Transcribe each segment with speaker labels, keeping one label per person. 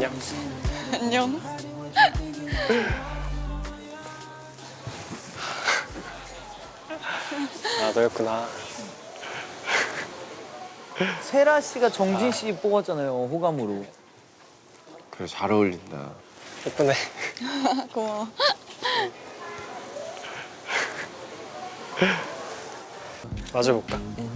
Speaker 1: 안녕. 안녕.
Speaker 2: 아, 너였구나.
Speaker 3: 세라 씨가 정진 씨 뽑았잖아요, 호감으로.
Speaker 4: 그래, 잘 어울린다.
Speaker 2: 예쁘네.
Speaker 1: 고마워.
Speaker 2: 마셔볼까?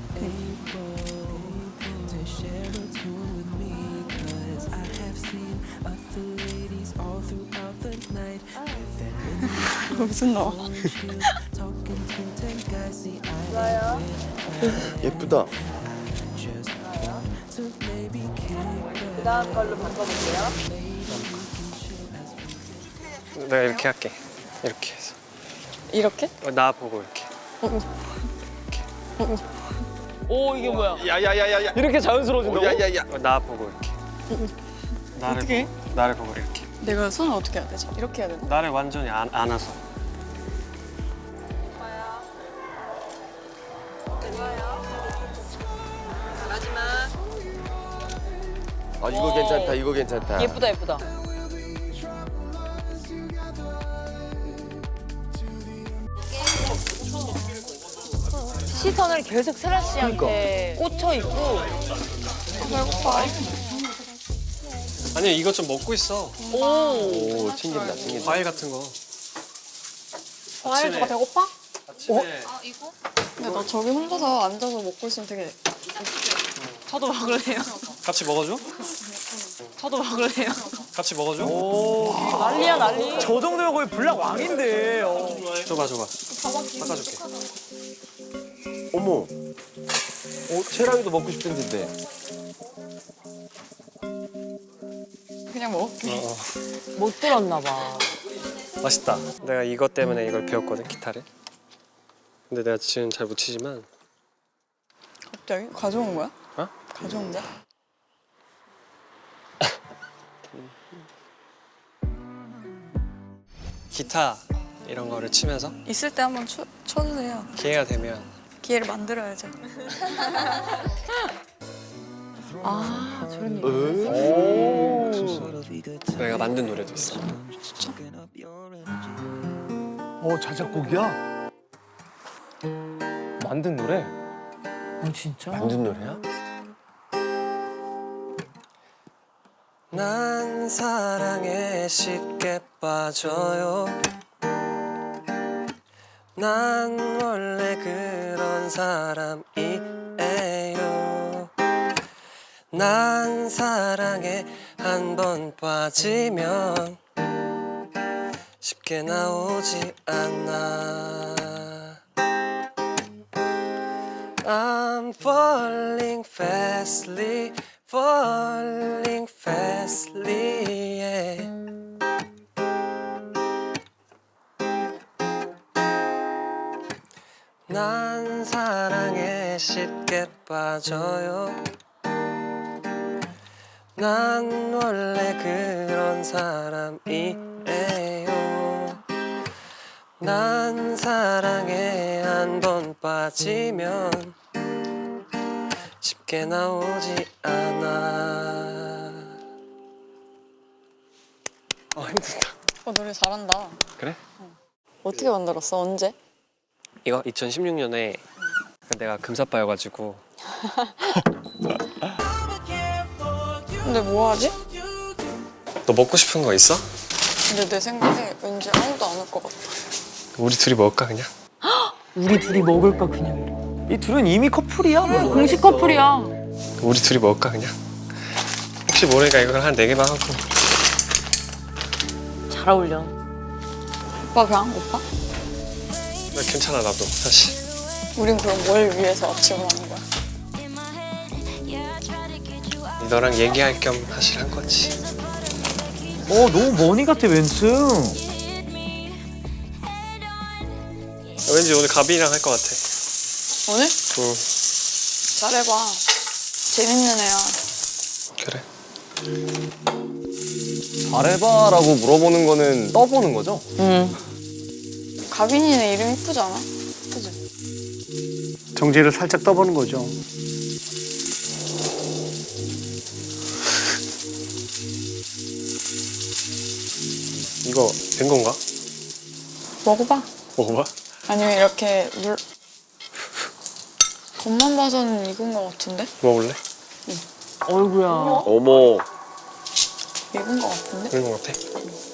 Speaker 1: 무슨 너?
Speaker 4: 예쁘다.
Speaker 3: 그다음 걸로 바꿔볼게요.
Speaker 2: 내가 이렇게 할게. 이렇게 해서.
Speaker 1: 이렇게?
Speaker 2: 나 보고 이렇게.
Speaker 3: 오, 이게 뭐야?
Speaker 4: 야야야야야.
Speaker 3: 이렇게 자연스러워진다고?
Speaker 4: 야야야.
Speaker 2: 나 보고 이렇게. 나를
Speaker 1: 어떻게?
Speaker 2: 나를 보고 이렇게.
Speaker 1: 내가 손을 어떻게 해야 되지? 이렇게 해야 되나?
Speaker 2: 나를 완전히 안아서.
Speaker 4: 아, 이거 괜찮다. 이거 괜찮다.
Speaker 3: 예쁘다, 예쁘다. 시선을 계속 세라 씨한테 꽂혀 있고.
Speaker 1: 배고파.
Speaker 2: 아니, 이것 좀 먹고 있어.
Speaker 4: 오, 챙긴다, 챙긴다.
Speaker 2: 과일 같은 거.
Speaker 1: 과일
Speaker 2: 아침에-
Speaker 1: 너가 배고파?
Speaker 2: 아침에
Speaker 1: 근데 나 저기 혼자서 앉아서 먹고 있으면 되게. 저도 먹을래요.
Speaker 2: 같이 먹어줘?
Speaker 1: 저도 먹을래요.
Speaker 2: 같이 먹어줘?
Speaker 3: 난리야, 난리. 저 정도면 거의 불락 왕인데.
Speaker 2: 줘봐. 닦아줄게.
Speaker 4: 어머. 채랑이도 먹고 싶은 텐데.
Speaker 1: 그냥 먹을게.
Speaker 3: 못 들었나 봐.
Speaker 2: 맛있다. 내가 이것 때문에 이걸 배웠거든, 기타를. 근데 내가 지금 잘 못 치지만.
Speaker 1: 갑자기? 가져온 거야?
Speaker 2: 어?
Speaker 1: 가져온 거야?
Speaker 2: 기타 이런 거를 치면서
Speaker 1: 있을 때 한번 쳐주세요.
Speaker 2: 기회가 되면
Speaker 1: 기회를 만들어야죠.
Speaker 3: 아, 저런 얘기.
Speaker 2: 내가 만든 노래도 있어.
Speaker 5: 자작곡이야? 만든 노래?
Speaker 3: 진짜?
Speaker 4: 만든 노래야?
Speaker 2: 난 사랑에 쉽게 빠져요. 난 원래 그런 사람이에요. 난 사랑에 한 번 빠지면 쉽게 나오지 않아. I'm falling fastly, falling fastly, yeah. 난 사랑에 쉽게 빠져요. 난 원래 그런 사람이에요. 난 사랑에 한 번 빠지면 쉽게 나오지 않아. 힘들다.
Speaker 1: 노래 잘한다.
Speaker 2: 그래?
Speaker 1: 어떻게 만들었어? 언제?
Speaker 2: 이거 2016년에 내가 금사빠여가지고.
Speaker 1: 근데 뭐 하지?
Speaker 2: 너 먹고 싶은 거 있어?
Speaker 1: 근데 내 생각에 왠지 아무도 안 올 것 같아.
Speaker 2: 우리 둘이 먹을까 그냥?
Speaker 3: 우리 둘이 먹을까, 그냥. 이 둘은 이미 커플이야.
Speaker 6: 공식 커플이야.
Speaker 2: 우리 둘이 먹을까 그냥? 혹시 모르니까 이걸 한 4개만 하고.
Speaker 3: 잘 어울려.
Speaker 1: 오빠 배 안 고파?
Speaker 2: 나 괜찮아 나도 사실.
Speaker 1: 우린 그럼 뭘 위해서 아침을 하는 거야?
Speaker 2: 너랑 얘기할 겸 사실 한 거지.
Speaker 3: 너무 머니 같아, 멘트.
Speaker 2: 왠지 오늘 가빈이랑 할 것 같아.
Speaker 1: 오늘?
Speaker 2: 응.
Speaker 1: 잘해봐. 재밌는 애야.
Speaker 2: 그래.
Speaker 5: 잘해봐라고 물어보는 거는 떠보는 거죠?
Speaker 1: 가빈이네 이름 이쁘지 않아? 그지?
Speaker 5: 정지를 살짝 떠보는 거죠.
Speaker 2: 이거 된 건가?
Speaker 1: 먹어봐.
Speaker 2: 먹어봐.
Speaker 1: 아니면 이렇게 겉만 봐서는 익은 거 같은데?
Speaker 2: 먹어볼래?
Speaker 3: 어이구야.
Speaker 4: 어머.
Speaker 1: 익은 거 같은데?
Speaker 2: 그런 거 같아.